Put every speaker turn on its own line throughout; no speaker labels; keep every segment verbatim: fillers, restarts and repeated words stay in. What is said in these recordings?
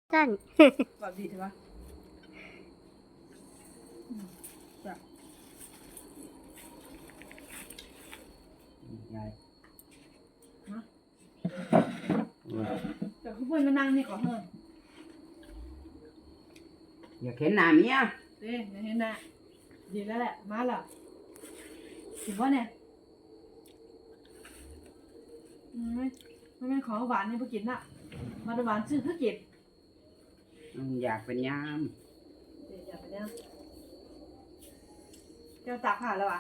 สั้น
แบบดีใช่ปะแบบ
ยาย
นะ
ว่า
แต่เขาเพิ่นมานั่งนี่ก่อนเฮ้ย
อยากเห็นหน้าเมีย
เด้อย่าเห็นนะดีแล้วแหละมาแล้วถึงว่าเนี่ยอืมไม่ไม่เป็นของหวานนี่เพิ่งกินน่ะมาหวานซื้อเพิ่งกิน
อืมอยากเป็นยาม
เดี๋ยวอย่าไปเนี่ยแก้วตากผ่านแล้วอ่ะ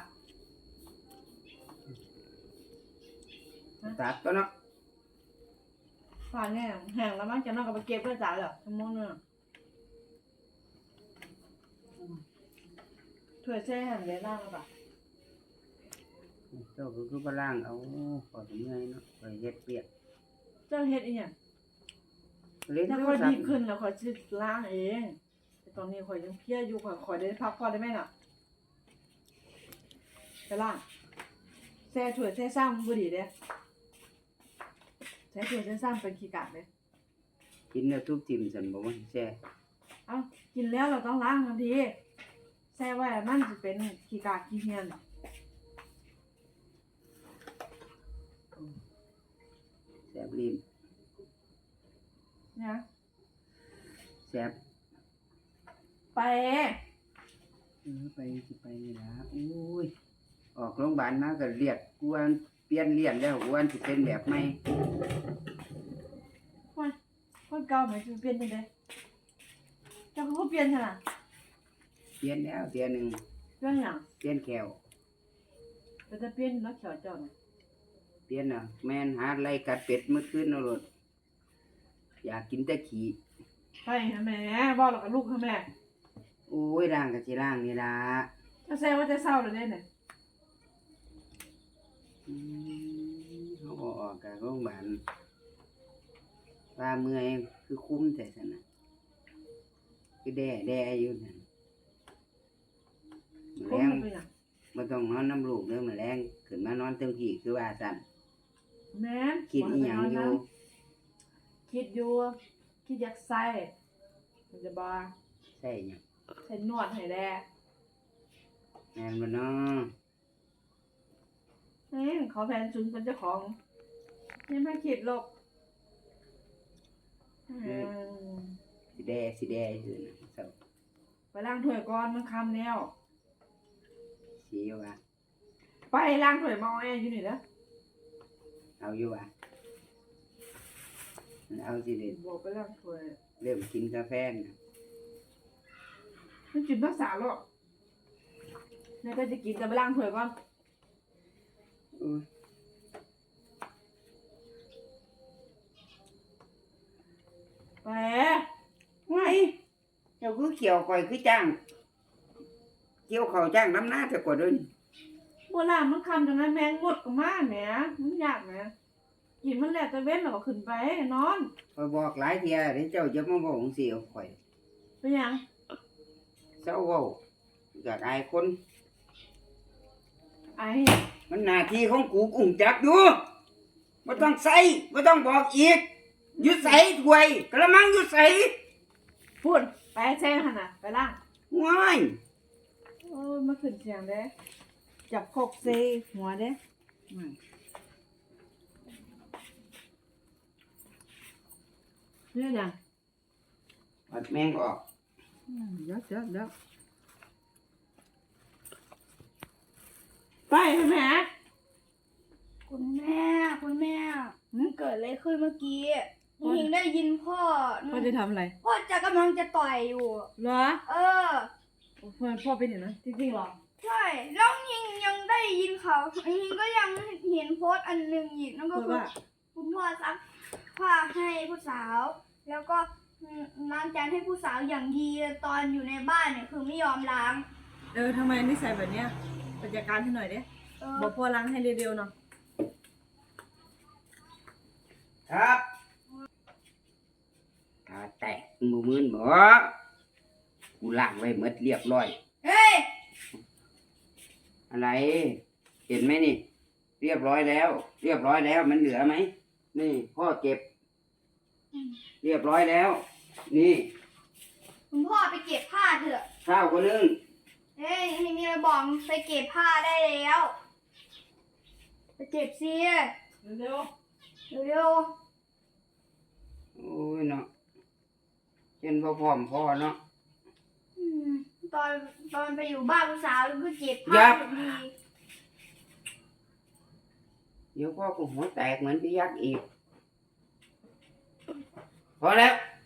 ตัดก็เนาะ
ผ่านแน่แห้งแล้วมั้งจะนอกกับไปเก็บเพื่อจ่ายเหรอชั่วโมงนึงถ้วยแช่แห้งเลยล่างแล้วป่ะ
เจ้าก็คือบ่ล่างเอาขอถึงเมื่อยเนาะไปเฮ็ดเปียก
เจ้าเฮ็ดอีหยัง
เล่น
ถ้า
โท
ค่
ร
อย
ศัพ
ดี
ท์
ขึ้นแล้วค่อยสิล้างเองแต่ตอนนี้ค่อยยังเพลียอยู่ค่อยค่อยได้พักผ่อนได้ไหมน่ะไปล้างแช่ถ้วยแช่ซ้ำบ่ดีเด้แช่ถ้วยแช่ซ้ำเป็นขี้กากเด้
กินแล้วทุบทิ่มซั่นบ่ว่าแซ่
เอ้ากินแล้วเราต้องล้างทันทีแช่ไว้มันสิเป็นขี้กากขี้เหียน
แซ่บลิ้น
นะ
แซ่บ
ไป
เออไปสิไปนี่ล่ะโอ้ยออกโรงพยาบาลมาก็เลียดกวนเปลี่ยนเลียนแล้วกวนสิเป็นแบบใหม่
คนคนเก่าไหมจะเปลี่ยนยังไงเจ้าก็เปลี่ยนใช่ไหม
เปลี่ยนแล้วเที่ยหนึง
เปลี่ยนอย่าง
เปลี่ยนแขว
แต่จะเปลี่ยนแล้วเขียวเจ้าน่ะ
เปลี่ยนน่ะแม่นหาไล่กัดเป็ดมื้อคืนเอาโลดอยากกินแต่ขี้
ไปหาแม่บอกแล้วกับลูกหาแม่
โอ้ยร่างก็สิร่างนี่ล่ะ
ถ้าแซ่ว่าจะเศร้าเลยเนี่ย
อืมเขาก็ออกจากโรงพยาบาลว่าเมื่อยคือคุ้มแต่สนะคือแด่แด่อยู่นั่น
ค
แรง ง
มันเป็นอย่าง
บ่ต้องนอนน้ำลูกเด้อมื้อแรงขึ้นมานอนเต็มที่คือว่าซั่น
แม่น
คิดอีหยังอยู่
คิดอยู่คิดอยากใส่มันจะบา
ใช่หยัง
ใส่นวดให้แด่
แม่นบ่น้อ
เอ้ยเขาแทนชุนเป็นเจ้าของยังไม่คิดหรอกอืม
สิแด่สิแด่อยู่น่ะเศร้า
ไปล้างถ้วยก่อนมันคำแล้ว
สิอยู่ว่า
ไปล้างถ้วยมาเอาแอร์อยู่นี่นะ
เอาอยู่ว่าเอาสิเด้
บอกไปล้างถ้วย
เริ่มกินกาแฟน่ะ
มันกินรักษาหรอกนี่ก็จะกินแต่ไปล้างถ้วยก่อน
โอ้ย
ไป
ไงเจ้าคือเขียวข่อยคือจ้างเกี่ยวข้าวจ้างน้ำหน้าแต่กว่าเดิน
โบราณมันคำจังนั้นแมงงดก็มาแหมมันยากแหมกินมันแหละแต่เว้นแล้วก็ขึ้นไปนอน
ข่อยบอกหลายเที่ยเด้เจ้าจะมาบอกจังซี่เอาข่อย
เป็นหยัง
เจ้าเว้าอยากอายคน
ไอ้
มันหน้าที่ของกูกุ้งจักอยู่บ่ต้องใส่บ่ต้องบอกอีกอยู่ใส่ถ้วยกระมังอยู่ใส่
พูดไปแช่หันน่ะไปล้าง
ว้าย
โอ้ยมาขึ้นเสียงเด้จับโคกเซหัวเด้อืมเนี่ยยัง
ปัดแมงก็ออก
อืมเดี๋ยวเดี๋ยวเดี๋ยวไปให้แม่
คุณแม่คุณแม่มันเกิดอะไรขึ้นเมื่อกี้ยิงได้ยินพ่อ
พ่อจะทำอะไร
พ่อจะกำลังจะต่อยอยู่
เหรอ
เออ
พ่อพ่อเป็นอย่างนั้นจริงๆเหรอ
ใช่แล้วยิงยังได้ยินเขายิงก็ยังเห็นโพสต์อันหนึ่งอีกนั่นก็
เพื่อ
คือ
ว่า
คุณพ่อซักผ้าให้ผู้สาว แล้วก็ล้างจานให้ผู้สาวอย่างดีตอนอยู่ในบ้านเนี่ยคือไม่ยอมล้าง
เออทำไมนิสัยแบบเนี้ยไปจัดการให้หน่อยเด้
เออ
บอกพ่อล้างให้เร็วๆเนาะ
ครับตาแตกมือมืนบ่กูล้างไว้หมดเรียบร้อย
เฮ้ย
อะไร เห็นไหมนี่ เรียบร้อยแล้ว เรียบร้อยแล้วมันเหลือไหมนี่พ่อเก็บ เรียบร้อยแล้วนี่
คุณพ่อไปเก็บผ้าเถอะ
ข้าวก็นึ่ง
เฮ้ยให้มีอะไรบอกไปเก็บผ้าได้แล้ว ไปเก็บสิ
เร็ว
เร็ว
โอ้ยเนาะเช่นพ่อพร้อมพ่อเนาะ
ๆอืมตอนตอนไปอยู่บ้านผู้สาวก็เก็บ
ยั
ผ้า
บ
อยู่ดี
เดี๋ยวพ่อก็หัวแตกเหมือนพี่ยักษ์อีก พอแล้ว